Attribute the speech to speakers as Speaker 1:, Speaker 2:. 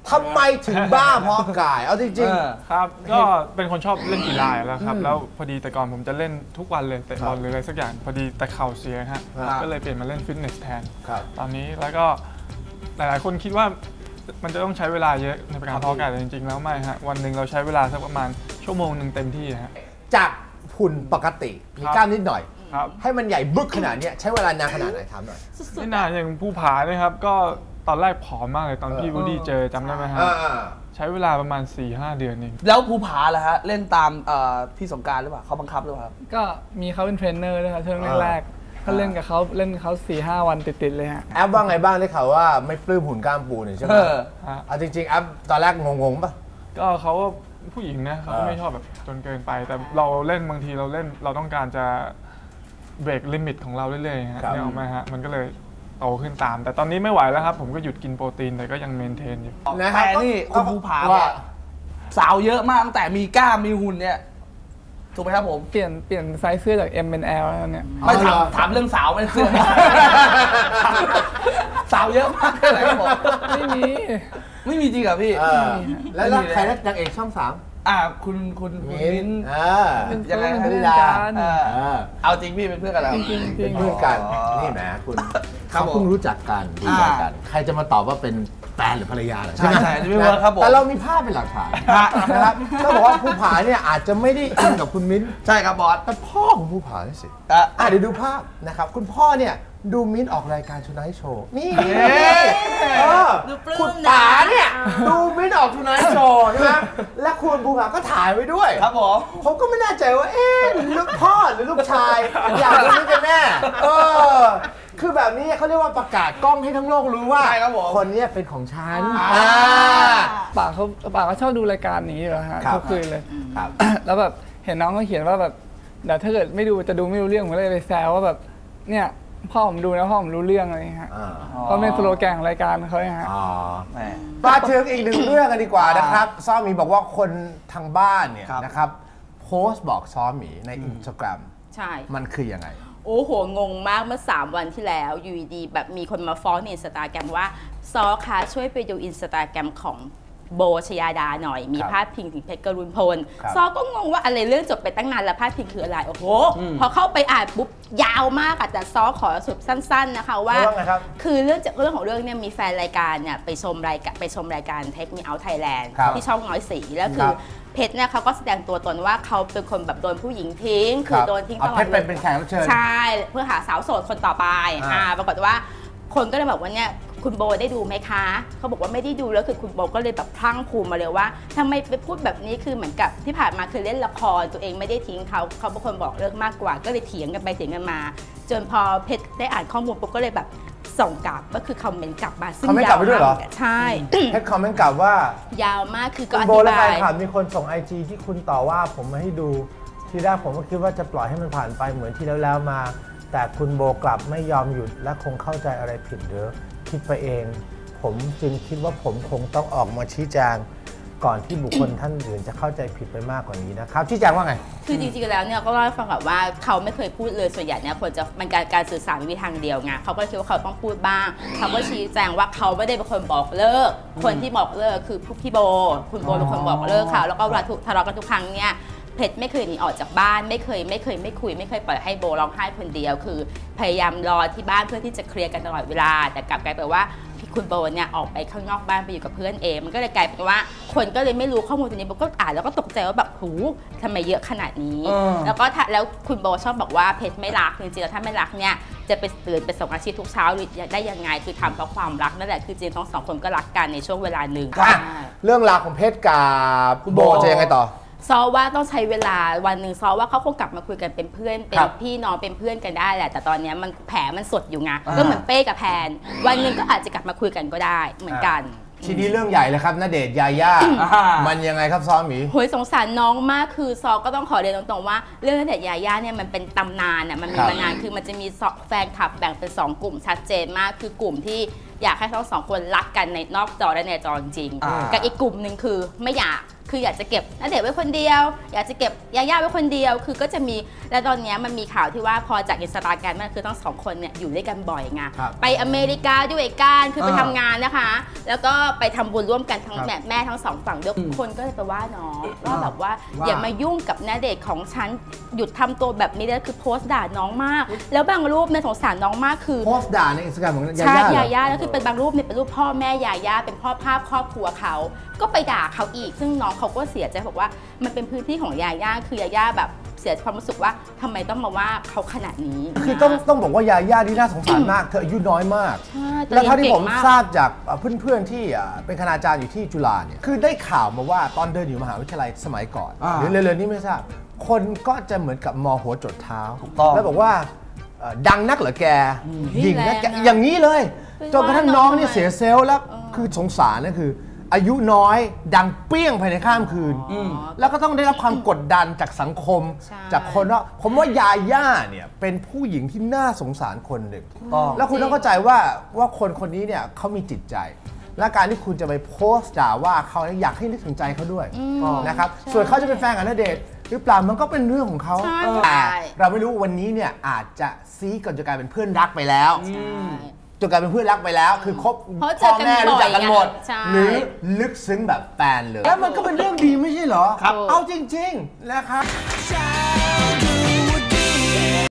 Speaker 1: ทำไมถึงบ้าเพราะกายเอาจริง
Speaker 2: ๆครับก็เป็นคนชอบเล่นกีฬาแล้วครับแล้วพอดีแต่ก่อนผมจะเล่นทุกวันเลยเตะบอลหรืออะไรสักอย่างพอดีแต่เข่าเสียฮะก็เลยเปลี่ยนมาเล่นฟิตเนสแทนตอนนี้แล้วก็หลายๆคนคิดว่ามันจะต้องใช้เวลาเยอะในการเพาะกายแต่จริงๆแล้วไม่ฮะวันหนึ่งเราใช้เวลาสักประมาณชั่วโมงหนึ่งเต็มที่ฮะ
Speaker 1: จากหุ่นปกติมีกล้ามนิดหน่อยให้มันใหญ่บึกขนาดนี้ใช้เวลานานขนาดไหนถามหน่อย
Speaker 2: ไม่นานอย่างภูผาเนี่ยครับก็ตอนแรกผอมมากเลยตอนพี่วูดดี้เจอจำได้ไหมฮะใช้เวลาประมาณ 4-5 เดือนเอง
Speaker 3: แล้วภูผาล่ะฮะเล่นตามพี่สงกรานต์หรือเปล่าเขาบังคับหรือเปล่า
Speaker 4: ก็มีเขาเป็นเทรนเนอร์ด้วยครับช่วงแรกๆก็เล่นกับเขา 4-5 วันติดๆเลยฮะ
Speaker 1: แอปว่าไงบ้างได้ข่าวว่าไม่ปลื้มหุ่นกล้ามปูนี่ใช่ไหมจริงๆแอปตอนแรกงงๆป่ะ
Speaker 2: ก็เขาผู้หญิงนะเขาไม่ชอบแบบจนเกินไปแต่เราเล่นบางทีเราต้องการจะเบรกลิมิตของเราเรื่อยๆฮะเนี่ยออกมาฮะมันก็เลยโตขึ้นตามแต่ตอนนี้ไม่ไหวแล้วครับผมก็หยุดกินโปรตีนแต่ก็ยังเมนเทนอยู่
Speaker 3: แต่นี่คุณภูผาเนี่ยสาวเยอะมากตั้งแต่มีกล้ามมีหุ่นเนี่ยถูกไหมครับผม
Speaker 4: เปลี่ยนไซส์เสื้อจาก M เป็น L แล้วเนี่ย
Speaker 3: ไม่ถามเรื่องสาวไม่เสื้อสาวเยอะมากแค่ไหนครับผม
Speaker 4: ไม่มี
Speaker 3: จริงเหรอพี่
Speaker 1: แล้วใครนางเอกช่อง 3
Speaker 3: คุณมิ้น
Speaker 4: ยังไง
Speaker 3: ครับพี่ดาเอาจริงพี่เป็นเพื่อนกันแล้ว
Speaker 4: จริง
Speaker 1: เพื่อนกันนี่แหมคุณเขาเพิ่งรู้จักกันใครจะมาตอบว่าเป็นแฟนหรือภรรยาใช่ไหม
Speaker 3: ใช่ไม่เวิร์คครับผม
Speaker 1: แต่เรามีภาพเป็นหลักฐานนะครับก็บอกว่าภูผาเนี่ยอาจจะไม่ได้อินกับคุณมิ้น
Speaker 3: ใช่ครับบอส
Speaker 1: แต่พ่อของภูผาสิเดี๋ยวดูภาพนะครับคุณพ่อเนี่ยดูมิ้นออกรายการชูไนท์โชว์นี่คุณป๋าเนี่ยดูมิ้นออกชูไนท์โชว์ใช่ไหมและคุณภูผาก็ถ่ายไว้ด้วย
Speaker 3: ครับ
Speaker 1: ผมก็ไม่แน่ใจว่าลูกพ่อหรือลูกชายอยากรู้กันแน่คือแบบนี้เขาเรียกว่าประกาศกล้องให้ทั้งโลกรู้ว่าคนนี้เป็นของฉัน
Speaker 4: ป่าเขาชอบดูรายการนี้อยู่แล้วฮะทุกคืนเลยแล้วแบบเห็นน้องเขาเขียนว่าแบบเดี๋ยวถ้าเกิดไม่ดูจะดูไม่รู้เรื่องผมเลยไปแซวว่าแบบเนี่ยพ่อผมดูนะพ่อผมรู้เรื่องอะไรฮะก็เป็นสโลแกนของรายการเขาฮะ
Speaker 1: มาถึงอีกหนึ่งเรื่องกันดีกว่านะครับซ้อหมีบอกว่าคนทางบ้านเนี่ยนะครับโพสต์บอกซ้อหมีใน Instagram
Speaker 5: ใช่
Speaker 1: มันคือยังไง
Speaker 5: โอ้โหงงมากเมื่อ3 วันที่แล้วอยู่ดีแบบมีคนมาฟ้องในอินสตาแกรมว่าซอคะช่วยไปดูอินสตาแกรมของโบชยาดาหน่อยมีพาดพิงถึงเพชรกรุณพลซอก็งงว่าอะไรเรื่องจบไปตั้งนานแล้วพาดพิงคืออะไรโอ้โหพอเข้าไปอ่านปุ๊บยาวมากแต่ซอขอสรุปสั้นๆนะคะว่าคือเรื่องของเรื่องเนี่ยมีแฟนรายการเนี่ยไปชมรายการเทคมีเอาท์ไทยแลนด์ที่ช่องน้อยสีแล้วคือเพชรเนี่ยเขาก็แสดงตัวตนว่าเขาเป็นคนแบบโดนผู้หญิงทิ้งคือโดนทิ้งตลอด
Speaker 1: เลยเป็นแขกรับเชิญ
Speaker 5: ใช่เพื่อหาสาวโสดคนต่อไปปรากฏว่าคนก็เลยบอกว่าเนี่ยคุณโบได้ดูไหมคะเขาบอกว่าไม่ได้ดูแล้วคือคุณโบก็เลยแบบพลั่งพูมาเลยว่าทำไมไปพูดแบบนี้คือเหมือนกับที่ผ่านมาคือเล่นละครตัวเองไม่ได้ทิ้งเขาเป็นคนบอกเลิกมากกว่าก็เลยเถียงกันไปเถียงกันมาจนพอเพชรได้อ่านข้อมูลปุ๊บก็เลยแบบส่งกลับก็คือคอมเมนต์กลับมาซึ่ง
Speaker 1: ยาวมาก
Speaker 5: ใช่
Speaker 1: เพชรคอมเมนต์กลับว่
Speaker 5: ายาวมากคือก็
Speaker 1: อธิบายโบและแฟนคลับมีคนส่ง IG ที่คุณต่อว่าผมมาให้ดูทีแรกผมก็คิดว่าจะปล่อยให้มันผ่านไปเหมือนที่แล้วมาแต่คุณโบกลับไม่ยอมหยุดและคงเข้าใจอะไรผิดหรือคิดไปเองผมจึงคิดว่าผมคงต้องออกมาชี้แจงก่อนที่บุคคลท่านอื่นจะเข้าใจผิดไปมากกว่านี้นะครับชี้แจงว่าไง
Speaker 5: คือจริงๆแล้วเนี่ยก็เล่าให้ฟังแบบว่าเขาไม่เคยพูดเลยส่วนใหญ่เนี่ยคนจะมันการสื่อสารวิธีทางเดียวไงเขาก็คิดว่าเขาต้องพูดบ้างเขาก็ชี้แจงว่าเขาไม่ได้เป็นคนบอกเลิกคนที่บอกเลิกคือพี่โบคุณโบเป็นคนบอกเลิกเขาแล้วก็เวลาทะเลาะกันทุกครั้งเนี่ยเพชรไม่เคยหนีออกจากบ้านไม่เคยคุยไม่เคยปล่อยให้โบร้องไห้คนเดียวคือพยายามรอที่บ้านเพื่อที่จะเคลียร์กันตลอดเวลาแต่กลับกลายเป็นว่าคุณโบเนี่ยออกไปข้างนอกบ้านไปอยู่กับเพื่อนเองมันก็เลยกลายเป็นว่าคนก็เลยไม่รู้ข้อมูลตรงนี้โบก็อ่านแล้วก็ตกใจว่าแบบหูทำไมเยอะขนาดนี้แล้วคุณโบชอบบอกว่าเพชรไม่รักจริงๆแล้วถ้าไม่รักเนี่ยจะไปตื่นไปส่งอาชีพทุกเช้าได้ยังไงคือทำเพราะความรักนั่นแหละคือจริงทั้งสองคนก็รักกันในช่วงเวลาหนึ่ง
Speaker 1: เรื่องราวของเพชรกับคุณโบจะยังไงต่อ
Speaker 5: ซอว่าต้องใช้เวลาวันหนึ่งซอว่าเขาคงกลับมาคุยกันเป็นเพื่อนเป็นพี่น้องเป็นเพื่อนกันได้แหละแต่ตอนนี้มันแผลมันสดอยู่ไงก็เหมือนเป้กับแพนวันหนึ่งก็อาจจะกลับมาคุยกันก็ได้เหมือนกัน
Speaker 1: ทีนี้เรื่องใหญ่เลยครับณเดชน์ยาย่ามันยังไงครับซอหมี
Speaker 5: โหยสงสารน้องมากคือซอก็ต้องขอเรียนตรงๆว่าเรื่องณเดชน์ยาย่าเนี่ยมันเป็นตำนานอ่ะมันมีมานานคือมันจะมีแฟนคลับแบ่งเป็น2 กลุ่มชัดเจนมากคือกลุ่มที่อยากให้ทั้งสองคนรักกันในนอกจอและในจอจริงๆกับอีกกลุ่มหนึ่งคือไม่อยากคืออยากจะเก็บณเดชน์ไว้คนเดียวอยากจะเก็บยาย่าไว้คนเดียวคือก็จะมีและตอนนี้มันมีข่าวที่ว่าพอจากอินสตาแกรมมันคือทั้งสองคนเนี่ยอยู่ด้วยกันบ่อยไงไปอเมริกาด้วยกันคือไปทำงานนะคะแล้วก็ไปทำบุญร่วมกันทั้งแม่ทั้งสองฝั่งด้วยคนก็เลยไปว่าน้องว่าแบบว่าอย่ามายุ่งกับณเดชน์ของฉันหยุดทำตัวแบบนี้แล้วคือโพสต์ด่าน้องมากแล้วบางรูปในสงสารน้องมากคือ
Speaker 1: โพสต์ด่าในอินสตาแกรมของยาย่า
Speaker 5: ใช่ยาย่าแล้วคือเป็นบางรูปเนี่ยเป็นรูปพ่อแม่ยาย่าเป็นพ่อภาพครอบครัวเขาก็ไปด่าเขาอีกซึ่งน้องเขาก็เสียใจบอกว่ามันเป็นพื้นที่ของยาย่าคือยาย่าแบบเสียความรู้สึกว่าทำไมต้องมาว่าเขาขนาดนี้
Speaker 1: คือต้องบอกว่ายาย่าที่น่าสงสารมากเธออายุน้อยมากแล้วเท่าที่ผมทราบจากเพื่อนๆที่เป็นคณาจารย์อยู่ที่จุฬาเนี่ยคือได้ข่าวมาว่าตอนเดินอยู่มหาวิทยาลัยสมัยก่อนหรือเร็วๆนี้ไม่ทราบคนก็จะเหมือนกับมอหัวจดเท้าแล้วบอกว่าดังนักเหรอแกหญิงนะแกอย่างนี้เลยจนกระทั่งน้องเนี่ยเสียเซลล์แล้วคือสงสารนะคืออายุน้อยดังเปี้ยงภายในข้ามคืนแล้วก็ต้องได้รับความกดดันจากสังคมจากคนว่าผมว่ายาย่าเนี่ยเป็นผู้หญิงที่น่าสงสารคนหนึ่งแล้วคุณต้องเข้าใจว่าคนนี้เนี่ยเขามีจิตใจและการที่คุณจะไปโพสต์ด่าว่าเขาอยากให้นึกถึงใจเขาด้วยนะครับส่วนเขาจะเป็นแฟนกับณเดชน์หรือเปล่ามันก็เป็นเรื่องของเขาแต่เราไม่รู้วันนี้เนี่ยอาจจะซีก่อนจะกลายเป็นเพื่อนรักไปแล้วจนกลายเป็นเพื่อนรักไปแล้วคือคบพ่อแม่รู้จักกันหมดหรือลึกซึ้งแบบแฟนเลยแล้วมันก็เป็นเรื่องดีไม่ใช่เหรอเอาจริงๆนะครับ